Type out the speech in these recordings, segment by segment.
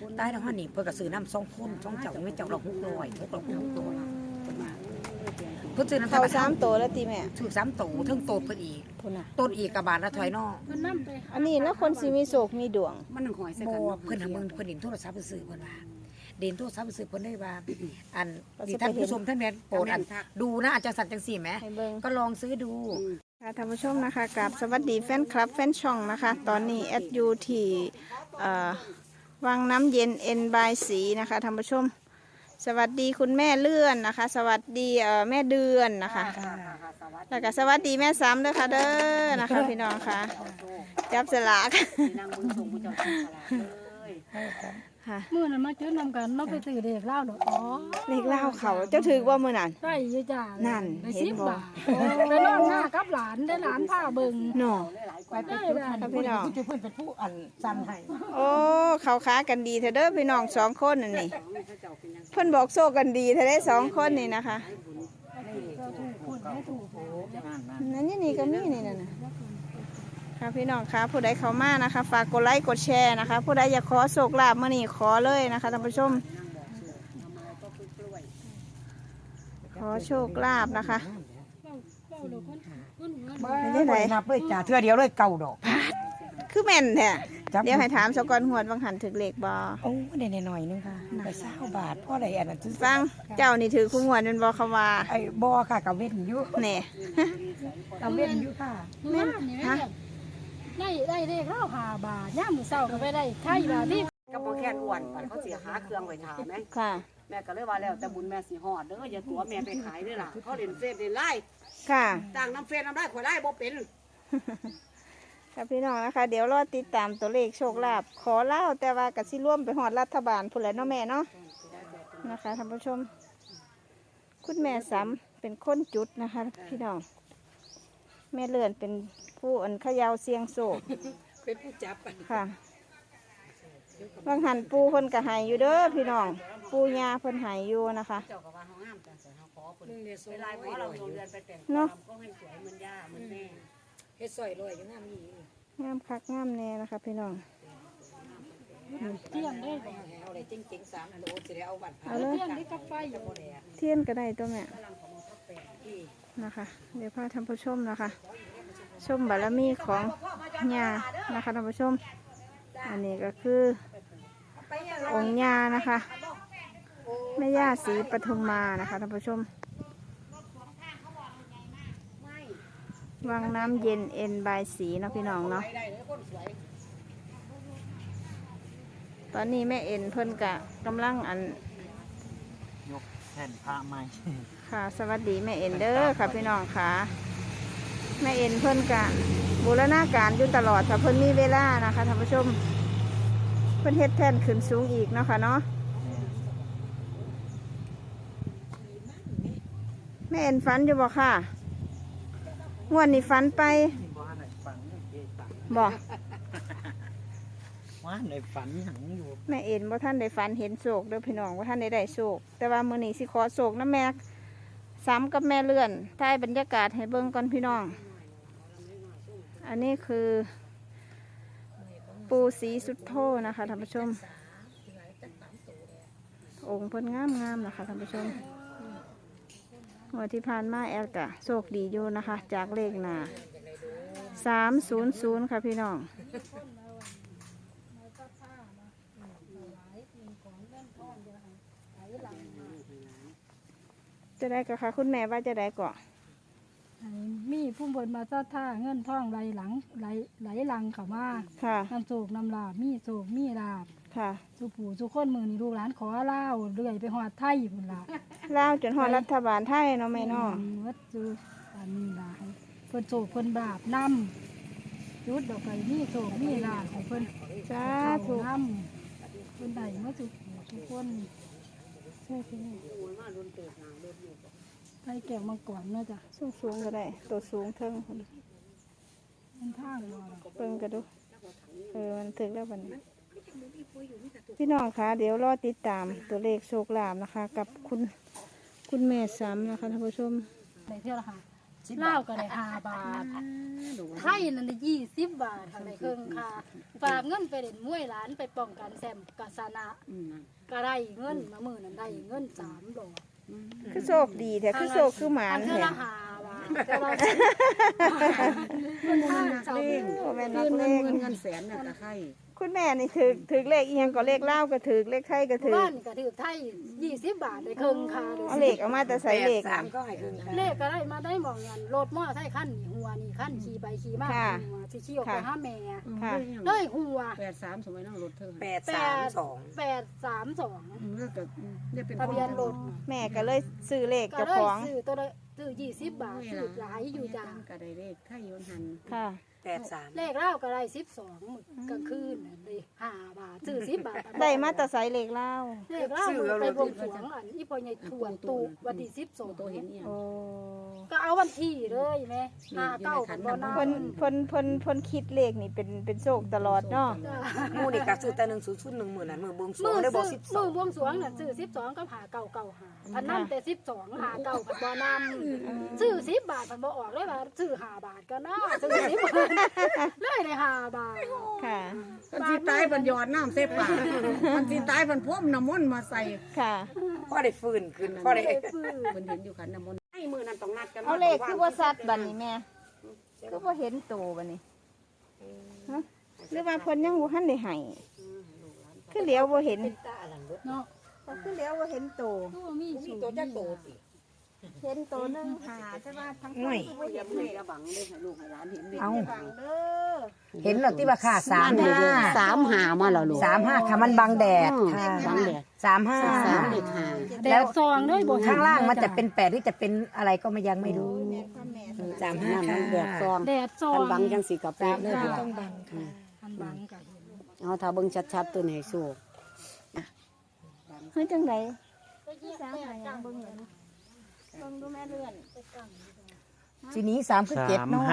ตายแล้วฮะนี่เพิ่นก็ซื้อน้ำ2 คน2เจ้าไม่เจ้าละ600 600 600เพิ่นซื้อน้ำเขา3 ตัวแล้วติแม่ซื้อ3 โตเทิงโตเพิ่นอีกพุ่นน่ะต้นอีกกะบาทละถอยนออันนี้แล้วคนสิมีโศกมีดวงมันหอยใส่บ่กันเพิ่นหามึงเพิ่นเห็นโทรศัพท์เพิ่นซื้อเพิ่นว่าเด่นโทรศัพท์เพิ่นซื้อเพิ่นได้ว่าอันที่ท่านผู้ชมท่านแม่นโปรดอันดูนะอาจจะสั่นจังซี่แหมให้เบิ่งก็ลองซื้อดูค่ะท่านผู้ชมนะคะกับสวัสดีแฟนคลับแฟนช่องนะคะ ตอนนี้แอดยูที่วังน้ำเย็นเอ็นบายสีนะคะท่านผู้ชม สวัสดีคุณแม่เลื่อนนะคะ สวัสดีแม่เดือนนะคะแล้วก็สวัสดีแม่ซ้ำด้วยค่ะเด้อนะคะพี่น้องค่ะจับสลากนางบุญส่งผู้เจ้าสลากเลยค่ะมื่อนั้นมาจื้อนำกันเนาะไปซื้อเด็กเล่าเนาะอ๋อเลขเล่าเขาเจ้าถือว่ามือนั่นใช่ยี่จ้านั่นไปเห็นบ่ 10 บาทไปนอนหน้ากับหลานได้หลานผ้าเบิ่งหนอไปเป็นผู้ทันค่ะพี่น้องผู้เพิ่นเป็นผู้อันสั่นให้โอ้เขาค้ากันดีเธอเด้อพี่น้อง2 คนนั่นนี่เพิ่นบอกโซ่กันดีเธอได้2 คนนี่นะคะคนไม่ถูกนั่นนี่ก็มีนี่นั่นน่ะค่ะพี่น้องคะผู้ใดเข้ามานะคะ ฝากกดไลค์กดแชร์นะคะ ผู้ใดอยากขอโชคลาภมื้อนี้ขอเลยนะคะท่านผู้ชม ขอโชคลาภนะคะเล่าเดี๋ยวคนหัวไม่ได้ไหนนับเลยจ้าเทื่อเดียวเลยเก่าดอกคือแม่นแท้จับเดี๋ยวให้ถามสกอนหวดบางหันถึกเลขบ่โอ้ได้หน่อยนึงค่ะไป20 บาทพ่อได้อันนั้นซื้อฟังเจ้านี่ถือคู่หวดเป็นบ่เขาว่าไอ้บ่ค่ะกับเว้นอยู่แหน่กับเว้นอยู่ค่ะแม่นี่แม่ได้เด็กเล่า5 บาทย่ามมื้อเช้าก็ไปได้ไข่บาทที่ก็บ่แค่นอ้วนไปเขาสิหาเครื่องไว้ถามไหมค่ะแม่ก็เลยว่าแล้วแต่บุญแม่สิฮอดเด้ออย่าตัวแม่ไปขายเด้อล่ะเขาเล่นเฟซเล่นไลน์ค่ะต่างน้ำเฟซน้ำไลน์ข่อยไลน์บ่เป็นค่ะพี่น้องนะคะ เดี๋ยวรอติดตามตัวเลขโชคลาภขอเล่าแต่ว่ากับสิร่วมไปหอดรัฐบาลพุ่นแหละเนาะแม่เนาะนะคะท่านผู้ชม คุณแม่ซ้ำเป็นคนจุดนะคะ พี่น้องแม่เลื่อนเป็นผู้อันเขยาวเสียงโศกเป็นผู้จับค่ะบางหันปูเพิ่นกะหายอยู่เด้อพี่น้องปูยาเพิ่นหายอยู่นะคะเจ้าก็ว่าเฮางามจังซั่นเฮาขอเพิ่นเวลาขอเราโรงเรียนไปแต่งเนาะก็ให้สวยเหมือนย่าเหมือนแม่เฮ็ดซอยลอยอยู่งามนี่งามคักงามแน่นะคะ พี่น้องเที่ยงได้บ่เอาอะไรจริงๆ3 โลสิได้เอาบัตรผ่าเอาเลยเที่ยงได้กับไฟอยู่บ่เทียนก็ได้ตัวแม่นะคะ เดี๋ยวพาท่านผู้ชมนะคะ ชมบารมีของยานะคะท่านผู้ชม อันนี้ก็คือองค์ยานะคะแม่ย่าศรีปทุมมานะคะท่านผู้ชม วังน้ำเย็นเอ็นบายสีเนาะพี่น้องเนาะตอนนี้แม่เอ็นเพิ่นกะกำลังอันยกแผ่นผ้าใหม่ค่ะสวัสดีแม่เอ็นเด้อค่ะพี่น้องค่ะแม่เอ็นเพิ่นกะบูรณาการอยู่ตลอดถ้าเพิ่นมีเวลานะคะท่านผู้ชมเพิ่นเฮ็ดแท่นขึ้นสูงอีกเนาะค่ะเนาะแม่เอ็นฝันอยู่บ่ค่ะงวดนี้ฝันไปว่าในฝันเจ๊ตังบ่ว่าในฝันหยังอยู่แม่เอ็นบ่ท่านได้ฝันเห็นโศกเด้อพี่น้องว่าท่านได้โศกแต่ว่ามื้อนี้สิขอโศกนะแม่ซ้ำกับแม่เลื่อนถ่ายบรรยากาศให้เบิ่งก่อนพี่น้อง อันนี้คือปูสีสุดโทนะคะท่านผู้ชม องค์เพิ่นงามๆนะคะท่านผู้ชมงวดที่ผ่านมาแอลกะโชคดีอยู่นะคะ จากเลขหน้า300ค่ะพี่น้อง จะได้ก็ค่ะคุณแม่ว่าจะได้ก่อมีผู้บนมาซอดท่าเงินทองไหลหลังไหลหลังเข้ามาค่ะน้ำโศกน้ำลาบมีโศกมีลาบค่ะสุผู้สุคนมือนี่ลูกหลานขอเล่าเรื่อยไปหอดไทยพุ่นละลาวจนฮอดรัฐบาลไทยเนาะแม่เนาะวัดจูอันนี้ละให้เพิ่นโศกเพิ่นบาปนำจุดดอกไก่มีโศกมีลาบให้เพิ่นสาธุนำเพิ่นได้มาสุทุกคนใช่พี่ไปแก้วมังกรเนาะจ้ะสูงก็ได้ตัวสูงเทิงพุ่นมันทางบ่ล่ะเบิ่งกันดูมันถึงแล้วบัดนี้พี่น้องคะเดี๋ยวรอติดตามตัวเลขโชคลาภนะคะ กับคุณแม่ซ้ำนะคะท่านผู้ชมได้เท่าละค่ะ 10 เล่าบาทก็ได้5 บาทดูไทยนั่นได้20 บาททางในเครื่องค่าฝากเงินไปเล่นมวยหลานไปป้องกันแซมกาสนะก็ได้เงินมามื้อนั้นได้เงิน3 ดอกคือโชคดีแต่คือโชคคือหมานเท่าแท้ละ5 บาทแต่เรามันนักเลงโอ้แม่นัเงิกนเลเงินงเงินแสนเนี่ยตะไคร้คุณแม่นี่ถือเลขอีหยังก็เลขเล่าวก็ถือเลขไทยก็ถือบ้านก็ถือไทย20 บาทได้เครื่องค่าเลยเอาเลขเอามาแต่ใส่เลข 3ก็ให้ครึ่งค่ะเลขก็ได้มาได้หมองเงินรถมอไซค์คันนี่หัวนี่คันขี่ไปขี่มาค่ะหัวสิขี่ออกไปหาแม่ค่ะเลยหัว 83สมัยนั้นรถเธอ 832 832 เลิกกับเนี่ยเป็นทะเบียนรถแม่ก็เลยซื้อเลขก็เจ้าเลยของซื้อตัวละซื้อ20 บาทซื้อหลายอยู่จ้าก็ได้เลขไทยวันหันค่ะ 83 เลขเล่าก็ได้12มื้อกลางคืนน่ะได้5 บาทซื้อ10 บาทได้มาแต่ใส่เลขเล่าวเลขเล่ามันไปบวงสรวงอันอีพ่อใหญ่ทวนตูวันที่12 ตัวเห็นเนี่ยโอ้ก็เอาวันที่เลยแม่59กันบ่นเพิ่นคิดเลขนี่เป็นโชคตลอดเนาะหมู่นี่ก็ซื้อแต่100 10,000นั้นมื้อบวงสรวมืงอได้บ่ซื้อมือบวงสรวงน่ะซื้อ12กับ5995พันนำแต่12 59พันบ่นำซื้อ10 บาทพันบ่ออกเลยว่าซื้อ5 บาทก็น่าซื้อ10 บาทเลยได้5 บาทค่ะมันสิตายมันหยอดน้ำเสปากมันสิตายมันพ่มน้ำมนต์มาใส่ค่ะพอได้ฟื้นขึ้นพอได้เพิ่นเห็นอยู่ขันน้ำมนต์ไอ้มือนั้นต้องนัดกันเอาเลขคือว่าซัดบัดนี้แม่คือว่าเห็นโตบัดนี้ฮะหรือว่าเพิ่นยังบ่ทันได้ให้คือเหลียวบ่เห็นเนาะคือเหลียวบ่เห็นโตตัวมีสูงตัวจักโตสิเห็นโตหนึงหาใช่ว่าทั้งง่วยคือบ่เห็นมือจะบังเลยให้ลูกให้หลานเห็นเลยเอาฟังเด้อเห็นแล้วที่ว่าค่า35 35มาแล้วลูก 35ค่ะมันบังแดดค่ะบังแดด 35 เด็กหาแดดซองเลยบ่เห็นข้างล่างมันจะเป็น8หรือจะเป็นอะไรก็ไม่ยังไม่รู้แม่พ่อแม่สนั่น 35 มันค่ะแดดซองแดดซองคันบังจังสิกับเป๊ะเลย 35 พี่ต้องบังค่ะอันบังก็เห็นเอาถ้าเบิ่งชัดๆตัวไหนสู้คือจังไดสามหายังเบิ่งเลยเบิ่งดูแม่เลื่อนทีนี้3คือ7เนาะ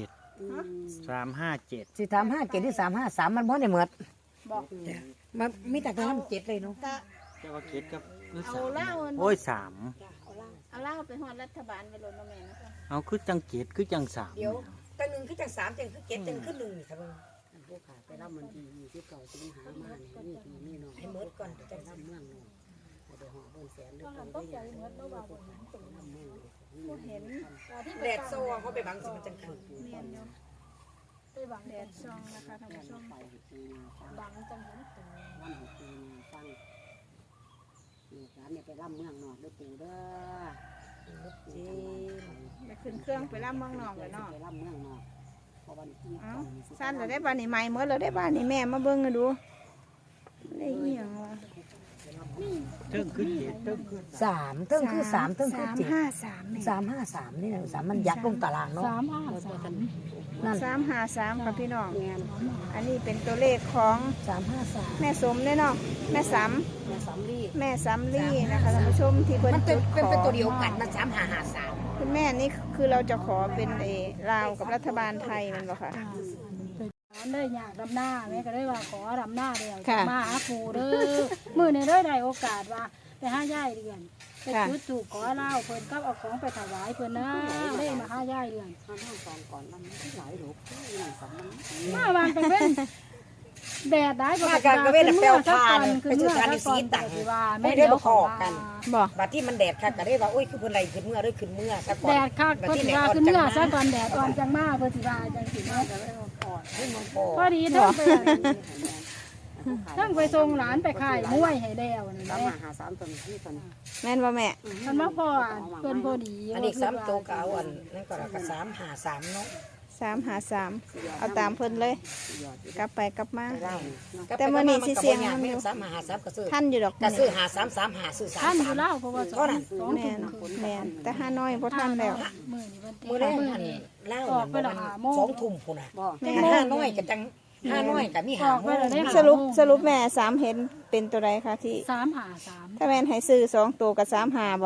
357 สิ35 7หรือ353มันบ่ได้เหมือนบอกมันมีแต่ตัวนั้น7เลยเนาะตะเจ้าว่าเจ็ดกับหรือเอาสามเหล้าโอ้ย3 เอาเหล้าไปฮอดรัฐบาลไปโลดเนาะแม่เนาะเอาคือจังเจ็ดคือจังสามเดี๋ยวตัวนึงคือจัง3จังคือ7จังคือ1นี่ค่ะเบิ่งผู้ขาไปรับมันที่29สิงหามานี่นี่น้องให้หมดก่อนจังรับเมืองน้องเดี๋ยวหอเบิ่งแสนเด้อกันต้องใจเหมือนบ่ว่าบ่เห็นบ่เห็นแดดโซ่เขาไปบังสิมันจังคือแม่นอยู่ไปบังแดดซองนะคะท่านผู้ชมไปปีนาฟังบังจังเห็นตัววันของปีนาฟังนี่ร้านเนี่ยไปรับเมืองนอกด้วยปู่เด้อจริงไปขึ้นเครื่องไปรับเมืองนอกเลยเนาะไปรับเมืองนอกพอวันที่เอ้าสั้นแล้วได้บ้านนี่ใหม่หมดแล้วได้บ้านนี่แม่มาเบิ่งกันดูได้อีหยังวะเทิงคือเจ็ดเทิงคือ 3เทิงคือ3เทิงคือ7 353นี่ 353นี่นะ3มันยักลงตารางเนาะ 353 นั่น 353ค่ะพี่น้องงานอันนี้เป็นตัวเลขของ 353 แม่สมเนี่ยเนาะแม่สำมาสำลีแม่สำลีนะคะท่านผู้ชมที่เพิ่นมันเป็จุนดขเป็นอตัวเดียวกันมัน3553 คุณแม่นี่คือเราจะขอเป็นลาวกับรัฐบาลไทยมันบ่ค่ะได้อยากดำหน้าแม่ก็ได้ว่าขอดำหน้าเดียวค่ะมาหาปู่เด้อมื้อนี้ได้โอกาสว่าไปหาย่ายเดือนไปค่ะจุดถูกขอเล่าเพิ่นก็เอาของไปถวายเพิ่นนะได้มาหาย่ายเดือนข้างห้างก่อนก่อนมันไม่หลายหรอกนี่หนังสำมันมาวางกันเว้นแดดได้มากันก็เว้นแปลวทานไปซื้อทานที่สีตังไม่ได้บอกออกกันบ่บัดที่มันแดดค่ะก็ได้ว่าโอ้ยคือเพิ่นไรขึ้นเมื่อด้วยขึ้นเมื่อซะก่อนแดดคักเพิ่นสิว่าคือเมื่อซะก่อนแดดอ่อนจังมาเพิ่นสิว่าจังสิเนาะขึ้นมันพอพอดีเทั้งไปทั้งไปส่งหลานไปขายมวยให้แล้วนี่สามแหหาละหาสามตัวที่ตัวนี้แม่นบ่แม่มันมาพอเพิ่นพอดีอันนี้3ตัวก็เอาอันนั่นก็แล้วก็353เนาะ 353เอาตามเพิ่นเลย กลับไปกลับมาได้แต่มื้อนี้สิเสี่ยงมันอยู่ 353ก็ซื้อท่านอยู่ดอกก็ซื้อ5335ซื้อท่านอยู่ 33 แล้วเพราะว่าสองแม่นแม่นแต่ห้าน้อยบ่ทันแล้วมื้อนี้วันมื้อแรกอันเล่ามัน2 ทุ่มพุ่นน่ะบ่แต่5น้อยก็จัง5น้อยก็มี5โมงสรุปแม่3เห็นเป็นตัวใดคะที่ 353 ถ้าแม่นให้ซื้อ2ตัวกับ35บ่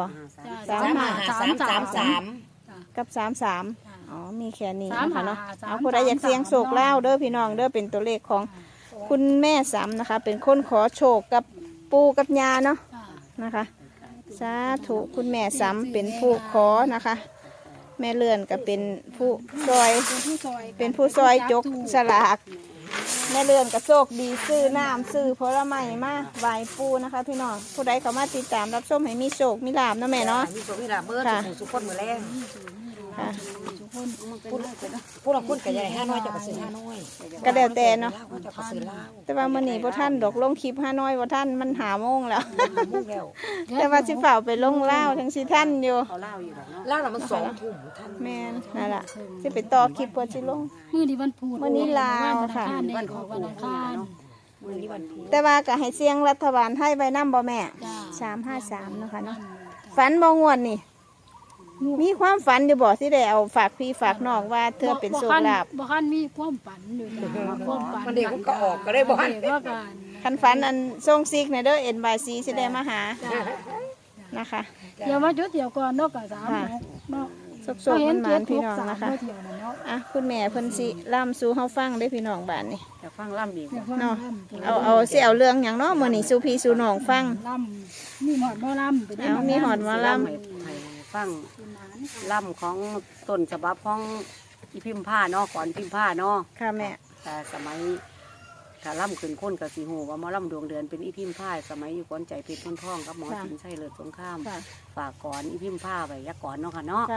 35333 กับ33อ๋อมีแค่นี้นะคะเนาะเอาผู้ใดอยากเสี่ยงโชคลาวเด้อพี่น้องเด้อเป็นตัวเลขของคุณแม่สำนะคะ เป็นคนขอโชคกับปู่กับย่าเนาะนะคะสาธุคุณแม่สำเป็นผู้ขอนะคะแม่เลื่อนก็เป็นผู้ซอยผู้ซอยเป็นผู้ซอยจกสลากแม่เลื่อนก็โชคดีซื้อน้ำซื้อผลไม้มาไหว้ปู่นะคะ พี่น้องผู้ใดเข้ามาติดตามรับชมให้มีโชคมีลาภเนาะแม่เนาะมีโชคมีลาภเบิดค่ะสุขคนมื้อแรงค่ะผู้ละคนก็ใหญ่5น้อยเจ้าก็ซื้อ5น้อยก็แล้วแต่เนาะเจ้าก็ซื้อลาวแต่ว่ามื้อนี้บ่ทันดอกลงคลิป5น้อยบ่ทันมันหาโมงแล้วมุ่งแล้วแต่ว่าสิเฝ้าไปลงลาวทั้งสิทันอยู่เขาเล่าอยู่แล้วเนาะลาวน่ะมัน2 ทุ่มท่านแม่นนั่นล่ะสิไปต่อคลิปเพื่อสิลงมื้อนี้วันพุธมื้อนี้ลาวค่ะวันของวันอังคารมื้อนี้วันพุธแต่ว่าก็ให้เสียงรัฐบาลไทยไว้นำบ่แม่จ้า 353เนาะค่ะเนาะฝันบ่งวดนี่ มีความฝันอยู่บ่ที่ได้เอาฝากพี่ฝากน้องว่าเธอเป็นโชคลาภบ่คันมีความฝันอยู่จ้ะความฝันมันเด็กก็ออกก็ได้บ่ฮั่นเด็กว่าการคันฝันอันทรงซิกในเด้อ NYC สิได้มาหาจ้านะคะเดี๋ยวมาจุดเดียวก่อนเนาะก็3เนาะสุกๆมันหมานพี่น้องนะคะเที่ยวนั่นเนาะอ่ะคุณแม่เพิ่นสิล่ำสู่เฮาฟังได้อพี่น้องบ้านนี่จะฟังล่ำอีกอยากฟังเนาะล่ำเอาสิเอาเรื่องหยังเนาะมื้อนี้สู่พี่สู่น้องฟังล่ำมีหมอดบ่ล่ำไปได้เอามีหอดหมอลำให้ฟังล่ำของต้นฉบับของอีพิมพ์ผ้าเนาะก่อนพิมพ์ผ้าเนาะค่ะแม่แต่สมัยถ้าล่ำขึ้นค้นกับสีหูว่าหมอล่ำดวงเดือนเป็นอีพิมพ์ผ้าสมัยอยู่ก้อนใจเพชรพ้นท่องกับหมอสินชัยเลิศสงครามค่ะฝากก่อนอีพิมพ์ผ้าไปยักก่อนเนาะค่ะเนาะค่ะ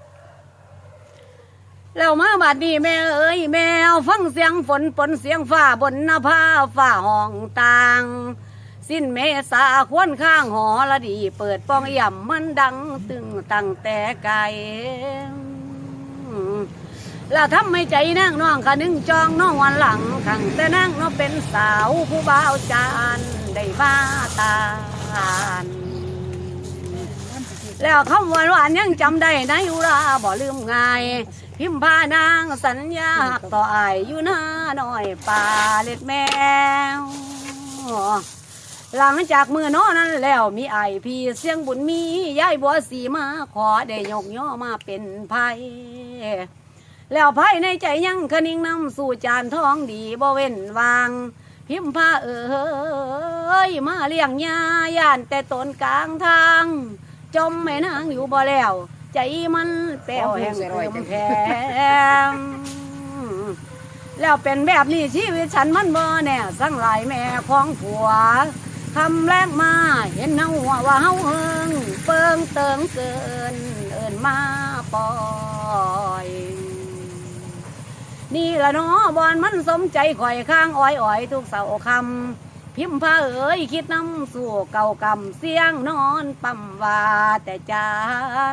แล้วมาบัดนี้แม่เอ้ยแมวฟังเสียงฝนปนเสียงฟ้าบนหน้าผาฟ้าห้องต่าง สิ้นเมษาควนข้างหอละดี เปิดป้องย่ำมันดังตึงตั้งแต่ไกลแล้วทำให้ใจนั่งน้องคะนึงจองน้องวันหลังขังแต่นั่งน้องเป็นสาวผู้บ่าวจานได้มาตานแล้วคำหวานหวานยังจำได้ในอุราบ่ลืมง่าย พิมพานางสัญญาหักต่ออายอยู่หน้าหน่อยป่าเล็ดแมว หลังจากมือน้อนั้นแล้วมีไอพี่เสียงบุญมียายบัวสีมาขอได้ยกย่อมาเป็นไผ่แล้วไผ่ในใจยังคนิ่งนำสู่จานทองดีบ่เว้นวาง พิมพาเอ้ยมาเลี้ยงยาย่านแต่ต้นกลางทางจมแม่นางอยู่บ่แล้วใจมันแป้วแห้งเติมแพงแล้วเป็นแบบนี้ชีวิตฉันมันบ่แน่สั่งหลายแม่ของผัวคำแรกมาเห็นเฮาว่าเฮาเฮิงเปิงเติงเกินเอิ้นมาปล่อย นี่ละเนาะบอนมันสมใจข่อยข้างอ้อยอ้อยทุกเสาคำพิมพ์ผ้าเอ๋ยคิดน้ำสู่เก่ากำเสียงนอนปั๊มว่าแต่จาน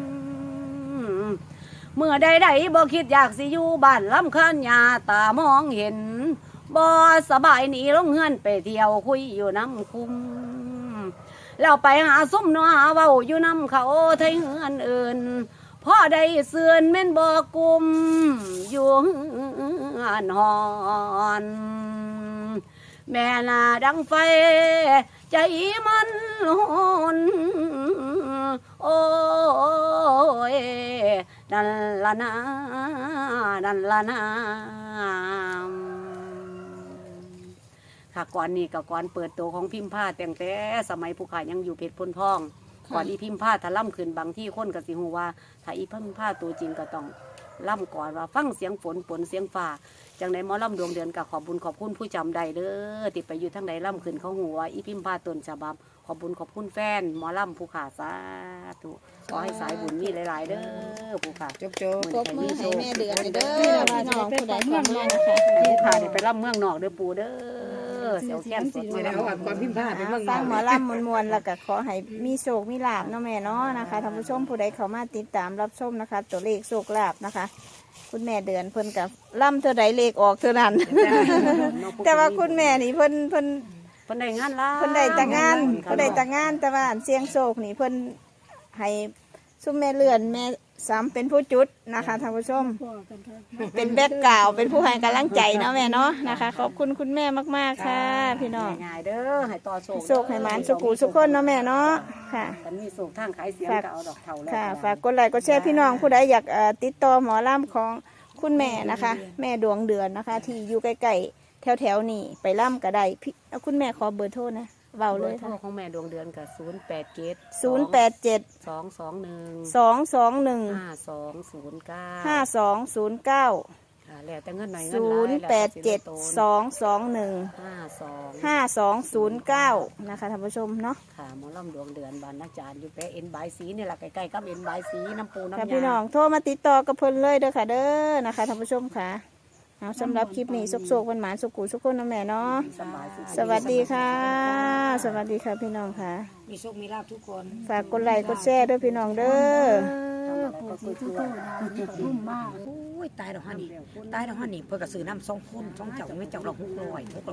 เมื่อใดๆบ่คิดอยากสิอยู่บ้านลำคันยาตามองเห็นบ่สบายหนีลงเฮือนไปเที่ยวคุยอยู่น้ำคุ้มแล้วไปหาซุ้มนัวเว้าอยู่น้ำเขาไทยเฮือนอื่นพ่อได้เสื่อนเม่นบ่กุมอยู่หันหอนแม่นาดังไฟใจมันหนโอ้ยนั่นละนานั่นละนาค่ะก่อนนี้กับก่อนเปิดตัวของพิมพ์ผ้าแต่งแต่สมัยผู้ขายยังอยู่เพชรพ้นทองก่อนอีพิมพ์ผ้าถ้าล่ำขึ้นบางที่คนก็สิหูว่าถ้าอีพิมพ์ผ้าตัวจริงก็ต้องล่ำก่อนว่าฟังเสียงฝนปนเสียงฟ้าจังใดหมอล่ำดวงเดือนกับขอบบุญขอบคุณผู้จำใดเด้อติดไปอยู่ทั้งใดล่ำขึ้นเขาหูว่าอีพิมพ์ผ้าต้นฉบับขอบบุญขอบคุณแฟนหมอล่ำผู้ขาสาธุขอให้สายบุญมีหลายๆเด้อผู้ขาจบปรบมือให้แม่เดือนเด้อพี่น้องผู้ใดฟังมานะคะผู้ขาเนี่ยไปล่ำเมืองนอกเด้อปู่เด้อเสียวแค้นสดๆไม่ได้เอาความพิมพ์ผ้าไปเมืองนฟัอง กหมอลำมวนๆแล้วก็ขอให้มีโชคมีลาภเนาะแม่เนาะนะคะท่านผู้ชมผู้ใดเข้ามาติดตามรับชมนะคะ ตัวเลขโชคลาภนะคะ คุณแม่เดือนเพิ่นกับล่ำเท่าใดเลขออกเท่านั้น แต่ว่าคุณแม่นี่เพิ่นเพิ่นได้งานละเพิ่นได้แต่งานเพิ่นได้แต่งานแต่ว่าอันเสียงโชคนี่เพิ่นให้ซุมแม่เลื่อนแม่ซ้ำเป็นผู้จุดนะคะท่านผู้ชมพอกันค่ะเป็นแบ็กกราวด์เป็นผู้ให้กำลังใจเนาะแม่เนาะนะคะ ขอบคุณคุณแม่มากๆค่ะ พี่น้องง่ายๆเด้อให้ต่อโศกโชคให้หมานสุขุสุขคนเนาะแม่เนาะค่ะกันมีโศกทางขายเสียงก็เอาดอกเท่าแล้วค่ะฝากกดไลค์กดแชร์พี่น้องผู้ใดอยากติดต่อหมอลำของคุณแม่นะคะ แม่ดวงเดือนนะคะ ที่อยู่ใกล้ๆแถวๆนี่ไปล่ำก็ได้พี่คุณแม่ขอเบอร์โทรนะเบาเลยโทรค่ะของแม่ดวงเดือนกับ087 087 221 221 5209 5209 แล้วแต่เงินหน่อยเงินหลายแล้วแต่สิ 087 221 52 5209นะคะท่านผู้ชมเนาะค่ะหมอลำดวงเดือนบานนักจานอยู่แปะเอ็นบายสีนี่แหละใกล้ๆกับเอ็นบายสีน้ำปูน้ำค่ะยาพี่น้องโทรมาติดต่อกับเพิ่นเลยเด้อค่ะเด้อนะคะท่านผู้ชมค่ะเอาสำหรับคลิปนี้สุกๆหวานๆสุกุสุกคนนะแม่เนาะสบายสุขสวัสดีค่ะ สวัสดีค่ะพี่น้องค่ะมีโชคมีลาภทุกคนฝากกดไลค์กดแชร์ด้วยพี่น้องเด้อผู้สีทุกคนนุ่มมากโอ้ยตายดอกฮันนี่ตายดอกฮันนี่เพิ่นก็ซื้อน้ำ2คน2เจ้าไม่เจ้าละ600 600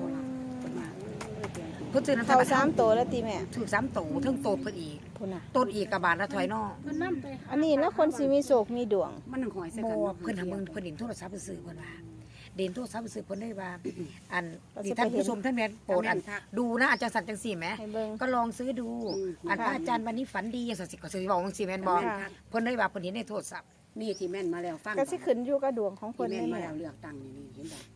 เพิ่นซื้อน้ำเข้า3ตัวแล้วตีแม่ถือ3โตเทั้งโตเพิ่นอีกพุ่นน่ะต้นอีกกะบาทละถอยนอเพิ่นนำไปอันนี้แล้วคนสิมีโศกมีดวงมันหอยใส่บ่กันเพิ่นทำเพิ่นเห็นโทรศัพท์เพิ่นซื้อเพิ่นว่าเด่นโทรศัพท์เพิ่นซื้อเพิ่นได้ว่าอันที่ท่านผู้ชมท่านแม่นโปรดอันดูนะอาจารย์สันจังซี่แหมให้เบิ่งก็ลองซื้อดูอันพระอาจารย์วันนี้ฝันดีจังซั่นสิก็สิบอกจังซี่แม่นบ่ค่ะเพิ่นได้ว่าเพิ่นเห็นในโทรศัพท์นี่ที่แม่นมาแล้วฟังก็สิขึ้นอยู่กับดวงของที่เพิ่นแม่นได้มาแม่แล้วเลือกตั้งนี่เห็นบ่